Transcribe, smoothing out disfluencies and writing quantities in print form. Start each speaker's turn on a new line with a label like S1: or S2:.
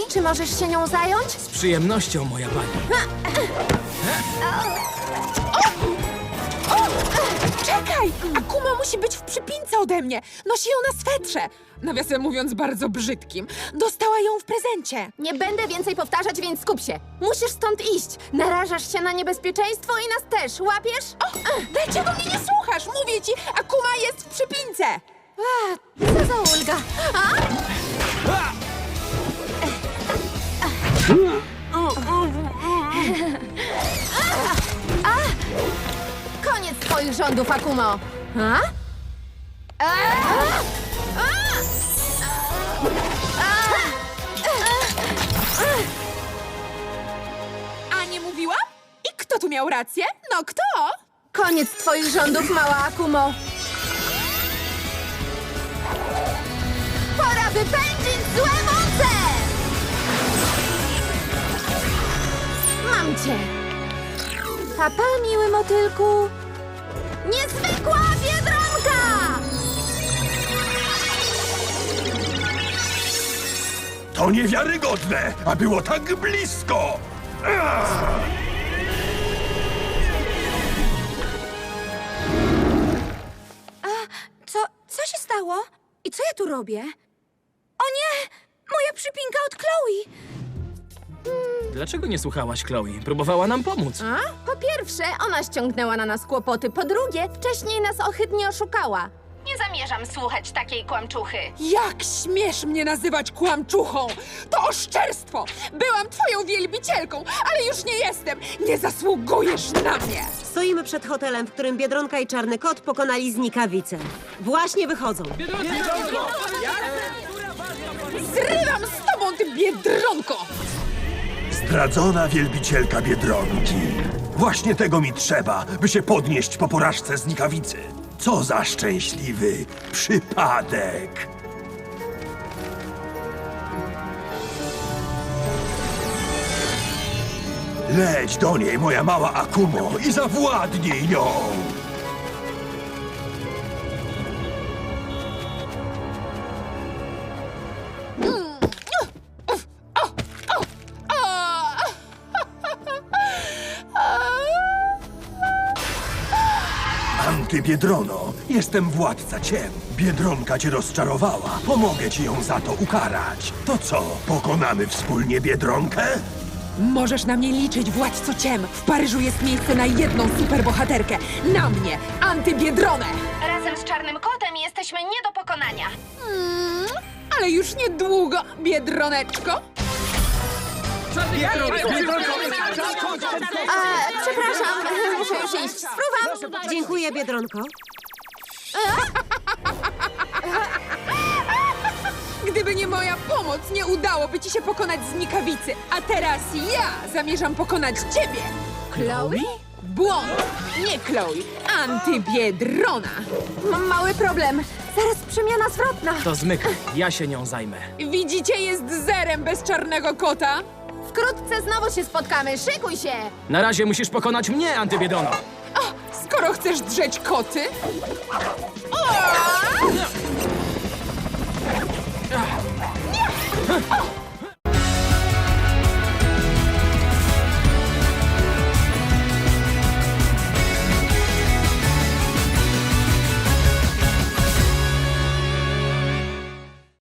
S1: Czy możesz się nią zająć?
S2: Z przyjemnością, moja pani.
S3: Czekaj! Akuma musi być w przypince ode mnie. Nosi ją na swetrze. Nawiasem mówiąc, bardzo brzydkim. Dostała ją w prezencie.
S1: Nie będę więcej powtarzać, więc skup się. Musisz stąd iść. Narażasz się na niebezpieczeństwo i nas też. Łapiesz?
S3: Dlaczego mnie nie słuchasz? Mówię ci, Akuma jest w przypince.
S1: Co za ulga? Koniec twoich rządów, Akumo.
S3: A nie mówiłam? I kto tu miał rację? No kto?
S1: Koniec twoich rządów, mała Akumo. Pora wypędzić złe moce! Mam cię. Papa, miły motylku. Niezwykła biedronka!
S4: To niewiarygodne, a było tak blisko!
S5: Co się stało? I co ja tu robię? O nie! Moja przypinka od Chloe!
S2: Dlaczego nie słuchałaś, Chloe? Próbowała nam pomóc.
S1: Po pierwsze, ona ściągnęła na nas kłopoty. Po drugie, wcześniej nas ohydnie oszukała. Nie zamierzam słuchać takiej kłamczuchy.
S3: Jak śmiesz mnie nazywać kłamczuchą? To oszczerstwo! Byłam twoją wielbicielką, ale już nie jestem! Nie zasługujesz na mnie!
S6: Stoimy przed hotelem, w którym Biedronka i Czarny Kot pokonali znikawicę. Właśnie wychodzą.
S3: Zrywam z tobą, ty biedronko!
S4: Zdradzona wielbicielka Biedronki. Właśnie tego mi trzeba, by się podnieść po porażce znikawicy. Co za szczęśliwy przypadek! Leć do niej, moja mała Akumo, i zawładnij nią! Antybiedrono, jestem władca ciem. Biedronka cię rozczarowała. Pomogę ci ją za to ukarać. To co, pokonamy wspólnie Biedronkę?
S3: Możesz na mnie liczyć, władco ciem. W Paryżu jest miejsce na jedną superbohaterkę. Na mnie, Antybiedronę!
S1: Razem z Czarnym Kotem jesteśmy nie do pokonania.
S3: Ale już niedługo, Biedroneczko.
S1: Przepraszam, muszę już iść. Spróbam.
S6: Dziękuję, Biedronko.
S3: Gdyby nie moja pomoc, nie udałoby ci się pokonać znikawicy. A teraz ja zamierzam pokonać ciebie.
S1: Chloe?
S3: Błąd! Nie Chloe, Antybiedrona.
S1: Mam mały problem. Zaraz przemiana zwrotna.
S2: To zmykaj, ja się nią zajmę.
S3: Widzicie, jest zerem bez Czarnego Kota.
S1: Wkrótce znowu się spotkamy. Szykuj się.
S2: Na razie musisz pokonać mnie, Antybiedono.
S3: Skoro chcesz drzeć koty...